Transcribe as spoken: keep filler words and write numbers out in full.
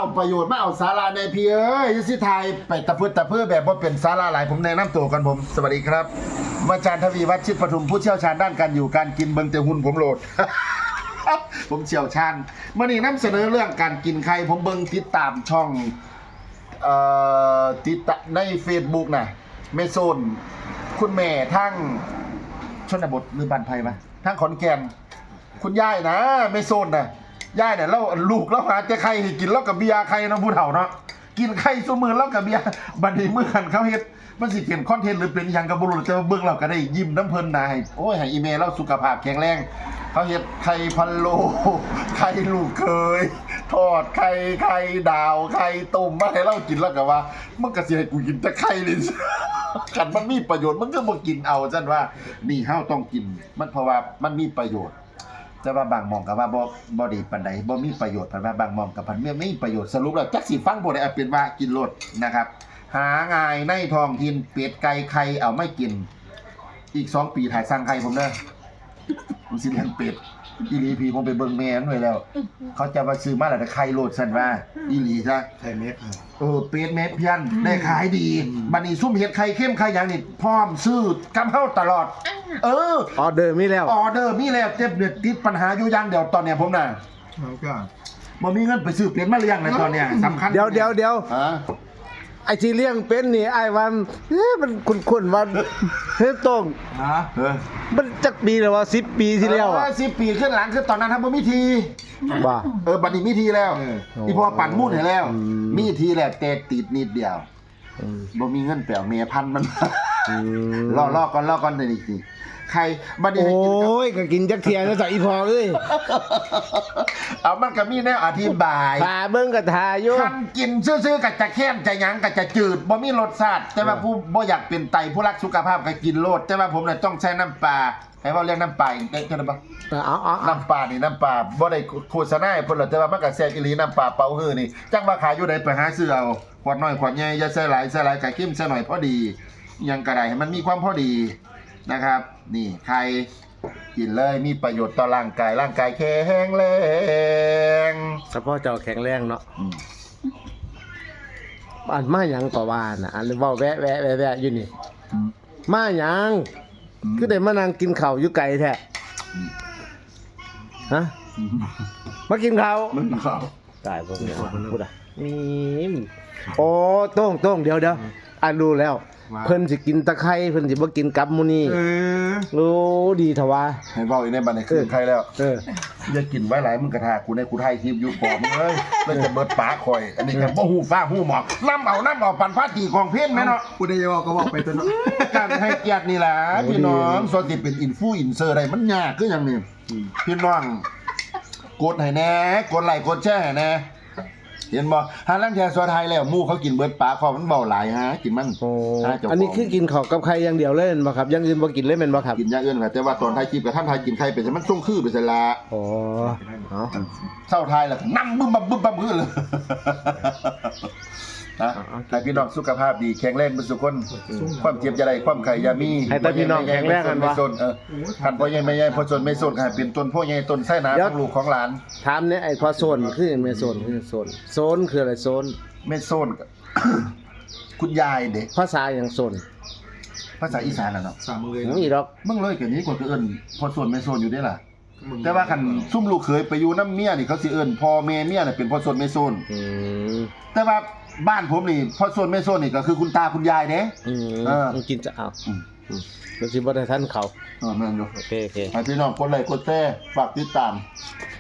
เอาประโยชน์มาเอาสาระในพี่เอ้ยสิไทยไปตะพื้นตะเพื่อแบบว่าเป็นสาระหลายผมแนะนำตัวกันผมสวัสดีครับอาจารย์ทวีวัฒน์ชิดปทุมผู้เชี่ยวชาญด้านการอยู่การกินเบิ่งแต่หุ่นผมโหลด ผมเชี่ยวชาญเมื่อนี้นำเสนอเรื่องการกินไข่ผมเบิ่งติดตามช่องเอ่อติดตใน Facebook น่ะเมโซนคุณแม่ทั้งชนบทหรือบ้านไผ่ปะทั้งขอนแก่นคุณยายนะเมโซนน่ะยายเนี่ยเราลูกเราหาแต่ไข่ให้กินแล้วกับเบียร์ไข่เนาะผู้เฒ่าเนาะกินไข่ซุมื้อแล้วกับเบียร์บัดนี้มื้อหันเขาเฮ็ดมันสิเป็นคอนเทนต์หรือเป็นหยังก็บ่รู้แต่ว่าเบิ่งเราก็ได้ยิ้มน้ำเพิ่นน่ะให้โอ้ยให้อีเมลเราสุขภาพแข็งแรงเขาเฮ็ดไข่พะโล้ไข่ลูกเคยทอดไข่ไข่ดาวไข่ต้มมาให้เรากินแล้วก็ว่ามันก็สิให้กูกินแต่ไข่นี่ คันมันมีประโยชน์มันก็บ่กินเอาซั่นว่านี่เฮาต้องกินมันเพราะว่ามันมีประโยชน์แต่ว่าบางหม่องก็ว่าบ่บ่ดีปานใดบ่มีประโยชน์เพิ่นว่าบางหม่องก็พันไม่มีประโยชน์สรุปแล้วจักสิฟังบ่ได้เอาเป็นว่ากินโลดนะครับหาง่ายในท้องถิ่นเป็ดไก่ไข่เอาไม่กินอีกสองปีถ่ายสร้างไข่ผมเด้อผมสิเลี้ยงเป็ดอีหลีพี่ผมไปเบิ่งแม่นไว้แล้วเขาจะมาซื้อมาแล้วแต่ไข่โลดซั่นว่าอีหลีซะไข่เม็ดเออเป็ดเม็ดเพี้ยนได้ขายดีบัดนี้ซุ่มเห็ดไข่เข้มไข่หยังนี่พร้อมซื้อกำเฮาตลอดเออออเดอร์มีแล้วออเดอร์มีแล้วเจ็บเดือดติดปัญหาอยู่อย่างเดียวตอนเนี้ยผมน่ะแล้วก็บ่มีเงินไปซื้อเป็ดมาเลี้ยงเลยตอนเนี้ยสำคัญเดี๋ยวเดี๋ยวเดี๋ยวฮะไอ้ที่เลี้ยงเป็นนี่ไอ้วันเฮ้ยมันคุ้นๆว่าเฮ้ยโต้งฮะเออมันจักปีแล้วว่าสิบปีที่แล้วอ่ะสิบปีขึ้นหลังคือตอนนั้นทำบ่มีทีว่าเออบัดนี้มีทีแล้วที่พ่อปั่นมุ่นให้แล้วอืมมีทีแล้วแต่ติดนิดเดียวอืมบ่มีเงินแปลเมียพันธุ์มันอืมรอรอก่อนรอก่อนเดี๋ยวนี้สิใครบัดนี้โอให้กินกับ้ยก็กินจักเทียนแล้วจากอีพอเอ้ยเอามันก็มีแนวอธิบายพาเบิ่งก็ทาอยู่คันกินซื่อๆก็จะแค้นจะหยังก็จะจืดบ่มีรสชาติแต่ว่าผู้บ่อยากเป็นไตผู้รักสุขภาพก็กินโลดแต่ว่าผมน่ะต้องใช้น้ำปลาให้เว้าเรียกน้ำปลาอีกได้จังได๋บ่เอาเอาเอาน้ำปลานี่น้ำปลาบ่ได้โฆษณาให้เพิ่นหรอกแต่ว่ามันก็แซ่บอีหลีน้ำปลาเป่าฮื้อนี่จักว่าขายอยู่ใดไปหาซื้อเอาขวดน้อยขวดใหญ่อย่าใส่หลายใส่หลายก็เข้มใส่หน่อยพอดีอิหยังก็ได้ให้มันมีความพอดีนะครับ นี่ไข่กินเลยมีประโยชน์ต่อร่างกายร่างกายแข็งแรงเฉพาะเจ้าแข็งแรงเนาะอืมอันมาหยังก็ว่าน่ะอันเว้าแวะแวะแวะแวะอยู่นี่อืมมาหยังคือได้มานั่งกินข้าวอยู่ไกลแท้ฮะมากินข้าวมันเขาตายพวกนี้พูดอ่ะมีมโอ้โต้งโต้งเดี๋ยวเดี๋ยวอ่ะรู้แล้ว เพิ่นสิกินตะไคร้เพิ่นสิบ่กินกับหมูนี่เออโอ้ดีทว่าให้เว้าอีกในบัดนี้คือใครแล้วเอออย่ากินไว้หลายมึงกระทากูในกูไทยคลิปอยู่ปอบมึงเอ้ยเลยจะเบิดปากข่อย อันนี้ก็บ่ฮู้ฟ้าฮู้หมอกน้ำเอาน้ำเอาปันฟ้าตีของเพ่นแม่เนาะกูได้ยอก็บอกไปตัวเนาะการให้เกียรตินี่ล่ะพี่น้องส่วนที่เป็นอินฟูอินเซอร์ได้มันยากคือหยังนี่พี่น้องกดให้แหน่กดไลค์กดแชร์ให้แหน่เห็นบ่หาลังแชร์สวไทยแล้วหมู่เขากินเบิดปากเพราะมันเบาหลายฮะกินมันโอ้หาเจ้าขงอันนี้คือกินข้าวกับไข่อย่างเดียวเลยแม่นบ่ครับอย่างอื่นบ่กินเลยแม่นบ่ครับกินอย่างอื่นค่ะแต่ว่าตอนไทยคลิปกับท่านไทยกินไข่เป็นมันส่งคือไปซะละอ๋อเอาเศร้าไทยแล้วก็นั่งบึ้มบับบึ้มบับบึ้มเลยนะให้พี่น้องสุขภาพดีแข็งแรงเป็นสุขคนความเจ็บจะได้ความไข่อยามีให้แต่พี่น้องแข็งแรงกันไม่วะสนเออคันพ่อใหญ่แม่ใหญ่พ่อสนไม่สนค่ะเป็นต้นพ่อใหญ่ต้นไส้หนาเดี๋ขยวองลูกของหลานถามเนี่ยไอ้พอโซนคือหยังแม่โซนคือโซนโซนคืออะไรโซนไม่สนกับ คุณยายเด็กภาษาหยังโซนภาษาอีสานน่ะเนาะสามมือเลยมีดอกมึงเลยกันนี้กว่าก็เอิ้นพ่อสนไม่สนอยู่ได้ล่ะ แต่ว่าคันซุ่มลูกเคยไปอยู่น้ำเมียนี่เขาสิเอิ้นพ่อแม่เมียน่ะเป็นพ่อสนไม่สนอืมแต่ว่าบ้านผมนี่พ่อสนไม่สนนี่ก็คือคุณตาคุณยายเด้อืมเออมันกินจะเอาอืมอืมก็สิบ่ได้ทันเขาเออแม่นอยู่โอเคโอเคให้พี่น้องกดไลค์กดแชร์ฝากติดตาม